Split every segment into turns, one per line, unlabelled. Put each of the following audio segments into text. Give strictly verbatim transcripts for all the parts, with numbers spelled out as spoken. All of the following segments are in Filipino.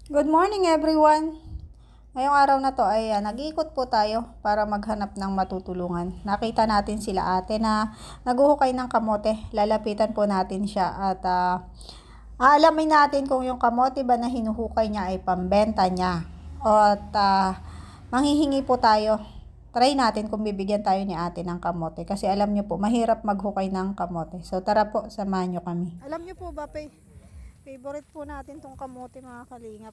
Good morning everyone! Ngayong araw na to ay uh, nag-iikot po tayo para maghanap ng matutulungan. Nakita natin sila ate na naguhukay ng kamote. Lalapitan po natin siya at uh, aalamin natin kung yung kamote ba na hinuhukay niya ay pambenta niya. O at uh, manghihingi po tayo. Try natin kung bibigyan tayo ni ate ng kamote. Kasi alam niyo po, mahirap maghukay ng kamote. So tara po, samahan niyo kami. Alam niyo po ba, pe? Favorite po natin tong kamote mga kalingap.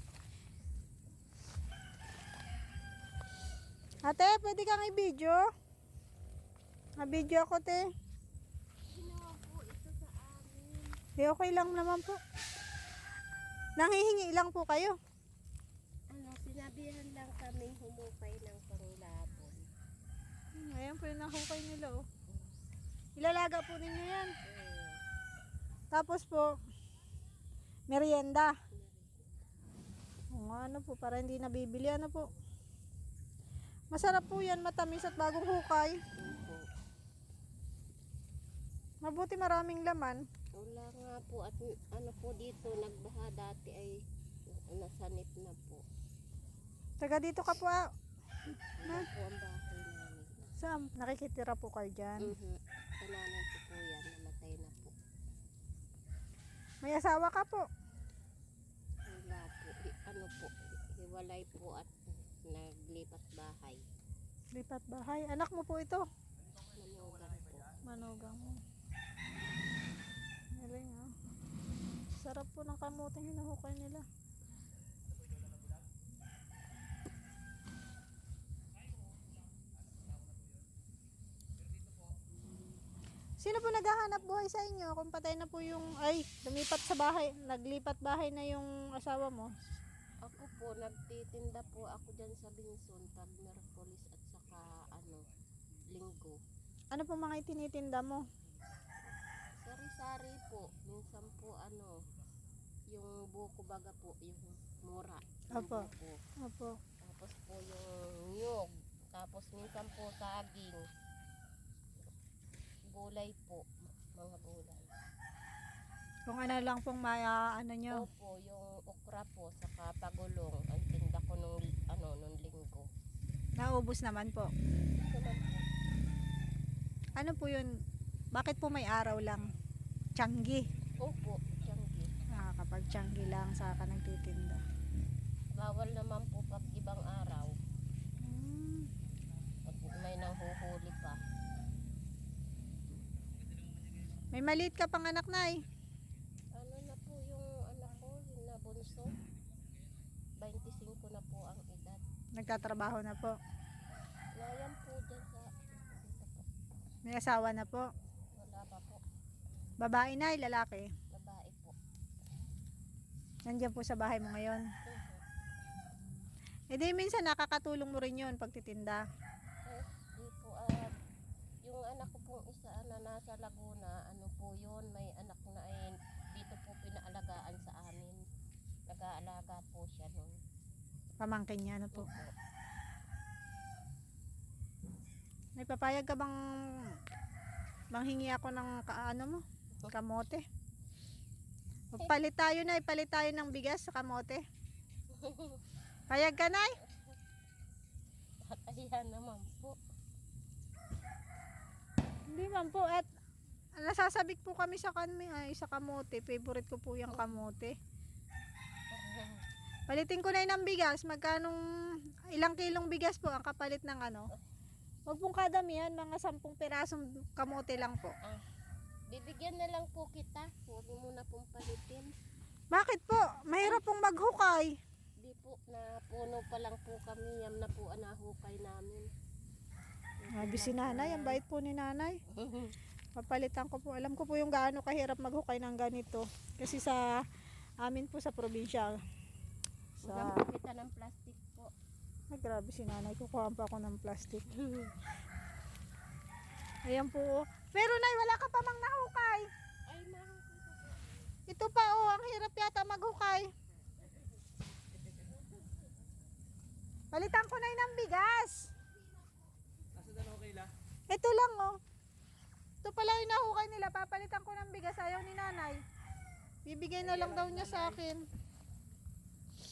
Ate, pwede kang i-video? Na-video ako, te.
Ginawa po ito sa amin.
Eh, okay lang naman po. Nanghihingi lang po kayo.
Ano, sinabihan lang kami humukay ng panglabon.
Hmm, ayan po yung nahukay nila, oh. Ilalaga po ninyo yan.
Eh,
Tapos po, merienda. O, ano po, para hindi nabibili, ano po. Masarap po yan, matamis at bagong hukay.
opo.
Mabuti maraming laman.
Wala nga po at ano po dito, nagbaha dati ay nasanip na po.
Taga dito ka po, ah.
Ano po ang bahay namin.
Saan? Nakikitira po kayo dyan.
Mhm. Kananan ko po yan, namatay na po.
May asawa ka po.
Wala po, I- ano po, hiwalay po at naglipat bahay.
Lipat bahay. Anak mo po ito.
Manugan po.
Manugang mo. Galing, ah. Sarap po ng kamuteng hinahukay nila. Sino po naghahanap buhay sa inyo? Kung patay na po yung, ay, lumipat sa bahay, naglipat bahay na yung asawa mo.
Ako po, nagtitinda po ako dyan sa Binson, pag Merkulis at saka ano, Linggo.
Ano po mga itinitinda mo?
Sari-sari po, minsan po ano, yung buko baga po, yung mura. Yung
Apo.
buko.
Opo.
Tapos po yung nyug, tapos minsan po saging. Gulay po, mga gulay.
Kung ano lang pong maya, ano nyo.
Opo, yung okra po, saka pagulong, ang tinda ko nung, ano, nung Linggo.
Naubos naman po.
Ito lang po.
Ano po yun? Bakit po may araw lang? Tiyanggi.
Opo, tiyanggi.
Ah, kapag tiyanggi lang saka nagtitinda.
Bawal naman po pag ibang araw.
Hmm.
Pag may nanghuhuli pa.
May maliit ka pang anak, Nay.
Ano na po yung anak ko, yung nabunso. twenty-five na po ang edad.
Nagtatrabaho na po.
Layan po dyan sa, dito po.
May asawa na po.
Wala pa po.
Babae, Nay, lalaki.
Babae po.
Nandiyan po sa bahay mo ngayon.
Mhm.
E di minsan nakakatulong mo rin yun pagtitinda.
Eh, di po, ah, yung anak ko pong isa na nasa Laguna, ano po yun, may anak na ay dito po pinaalagaan sa amin. Nag-aalaga po siya nun.
Pamangkin niya na po.
Opo.
May papayag ka bang manghingi ako ng ka, ano mo? Kamote. Palit tayo, Nay. Palit tayo ng bigas sa kamote. Payag ka, Nay?
At ayan naman po.
Hindi man po. At nasasabik po kami sa kanmi ay sa kamote. Favorite ko po yung kamote. Palitin ko na yun ng bigas. Magkanong ilang kilong bigas po ang kapalit ng ano? Huwag pong kadamihan, mga sampung pirasong kamote lang po.
Ah, bibigyan na lang po kita. Huwag mo muna pong palitin.
Bakit po? Mahirap pong maghukay.
Di po, na puno pa lang po kami. Yam na po ang nahukay namin.
Sabi si nanay, ang bait po ni nanay. Papalitan ko po. Alam ko po yung gaano kahirap maghukay ng ganito. Kasi sa amin po sa probinsya. Sa...
Huwag po kita ng plastic po.
Ay, grabe si nanay. Kukuha pa ako ng plastic. Ayan po. Pero nay, wala ka pa mang nahukay.
Ay, nahukay ko po.
Ito pa oh, ang hirap yata maghukay. Palitan ko na yun ng bigas. Ito lang oh. Ito pala yung nahukay nila. Papalitan ko ng bigas. Ayaw ni nanay. Bibigay na lang daw niya sa akin.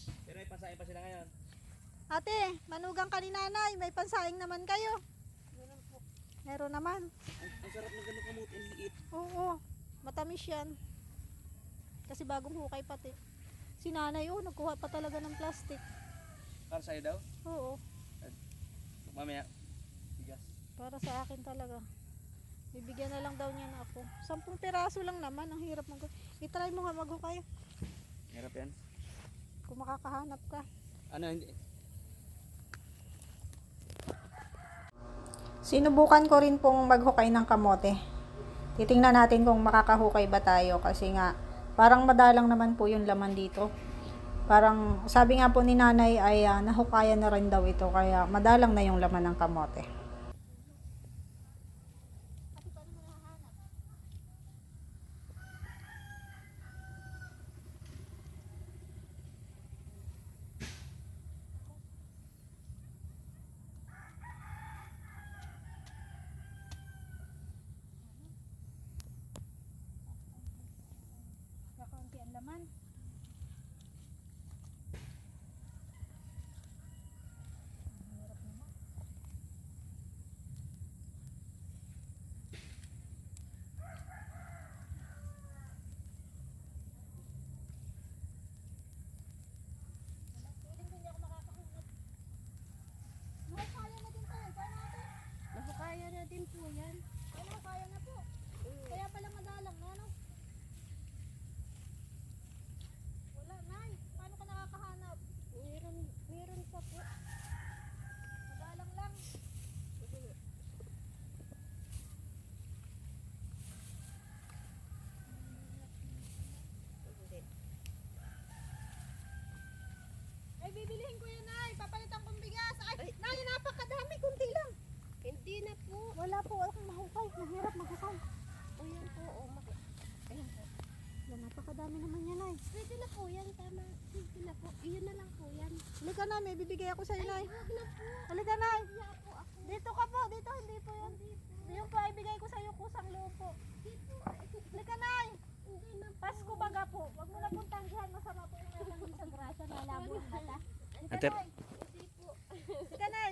Pasahin pa sila ngayon.
Ate, manugang ka ni nanay. May pansaing naman kayo.
Meron po.
Meron naman.
Ang, ang sarap ng ganun kamote, ang liit.
Oo, matamis yan. Kasi bagong hukay pati. Si nanay, oh, nagkuha pa talaga ng plastic.
Para sa'yo daw?
Oo,
Mamaya, bigas.
para sa akin talaga. Bibigyan na lang daw niya na ako. Sampung piraso lang naman, ang hirap mag... I-try mo nga maghukay.
Hirap yan.
Kung makakahanap ka.
Ano, hindi.
Sinubukan ko rin pong maghukay ng kamote. Titingnan natin kung makakahukay ba tayo kasi nga parang madalang naman po yung laman dito. Parang sabi nga po ni nanay ay uh, nahukayan na rin daw ito kaya madalang na yung laman ng kamote. Kakaunti ang laman.
Nakakaya na din po yan.
Ano, kaya na po. Kaya pala madalang na, no? Wala, nay. Paano ka nakakahanap?
Meron, meron pa po.
Madalang lang.
Hindi.
Ay, bibilihin ko yan, nay. Papalitan kong bigas. Ay,
Ay.
nay, napakadami. Kunti lang.
Hindi na po.
Wala po akong mahukay. Mahirap mahukay.
O yan po. O, maki. Ayan po.
Wala, napakadami naman yan, nay.
Pwede na po yan. Tama. Pwede na po. Iyon na lang po yan.
Halika na, may bibigay ako sa'yo, nay.
Huwag na po.
Halika, nay.
Kaya po ako.
Dito ka po. Dito, hindi po yun. Yung po ay bigay ko sa'yo kusang loob po. Halika, nay.
Hindi na po.
Pasko baga po. Huwag mo na pong tanggihan. Masama po yung meron sa grasa. Malabo ang mata. Halika,
Ate.
nay.
Hindi po.
Halika, nay.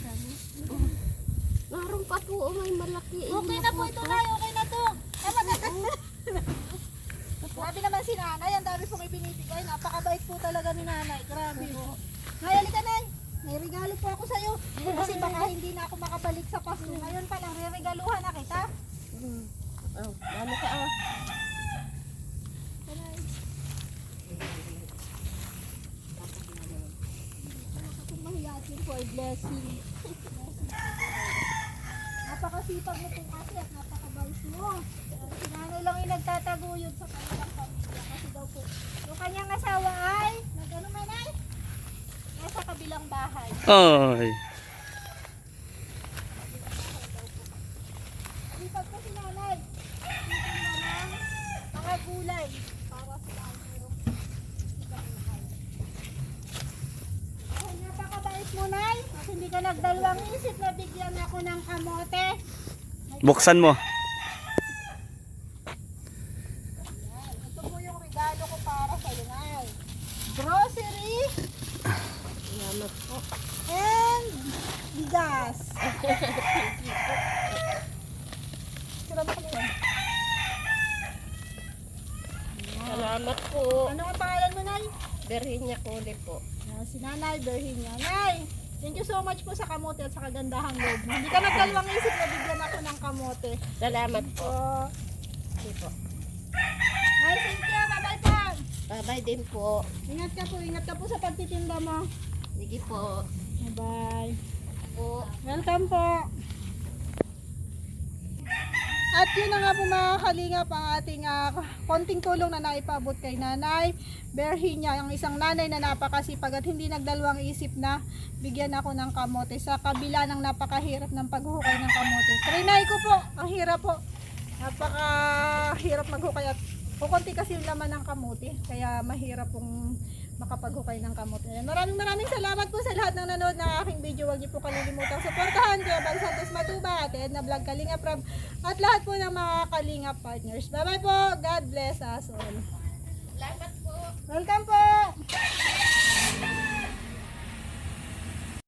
Meron pa po. O, may malaki.
Okay na po ito, nay. Okay na to. Ay, maganda. Grabe naman si nanay. Ang dami pong ibinibigay. Napakabait po talaga ni nanay. Grabe po. Nay, halika, nay. May regalo po ako sa'yo. Kasi baka hindi na ako makabalik sa Pasko. Ngayon pa lang, re-regaluhan na kita.
Hmm. Oh, dami ka ah.
Nanay. Kung mahiyatin po ay blessing. Napakasipag mo po kasi at napakabait mo. Si nanay lang yung nagtataguyod sa kanilang pamilya. Kasi daw po, yung kanyang asawa ay, nag-ano man ay? Nasa kabilang bahay.
Ay.
Sipag po si nanay. Titingnan ng mga gulay para sa mayroong bahay. Ay, napakabait mo, nay. At hindi ka nagdalawang isip na bigyan ako ng kamote.
Buksan mo.
Yan. Ito po yung regalo ko para sa iyo, nay. Grocery
Salamat po.
and bigas. Sira na kami.
Salamat po.
Ano ang pangalan mo, nay?
Berhinya Kuli po.
Ah, si Nanay Berhinya. Nay, thank you so much po sa kamote at sa kagandahang loob mo. Hindi ka nagdalawang isip na bigyan ako ng kamote.
Salamat po.
So,
Sige po.
Nay, thank you. Bye-bye po.
Bye-bye din po.
Ingat ka po. Ingat ka po sa pagtitinda mo.
Sige po.
Bye-bye.
Po.
Welcome po. At yun na nga po mga kalingap ang ating uh, konting tulong na naipabot kay Nanay Berhinya, ang isang nanay na napakasipag at hindi nagdalawang isip na bigyan ako ng kamote sa kabila ng napakahirap ng paghuhukay ng kamote. Trinay ko po, ang hirap po. Napakahirap maghukay at kukunti kasi yung laman ng kamote kaya mahirap pong makapaghukay ng kamote. Ayan. Maraming maraming salamat po sa lahat ng nanood ng aking video. Huwag niyo po kalilimutang suportahan Kuya Bal Santos Matuba, Ate Edna Vlog, Kalinga Prab, at lahat po ng mga Kalinga partners. Bye bye po. God bless us all.
Salamat po.
Welcome po.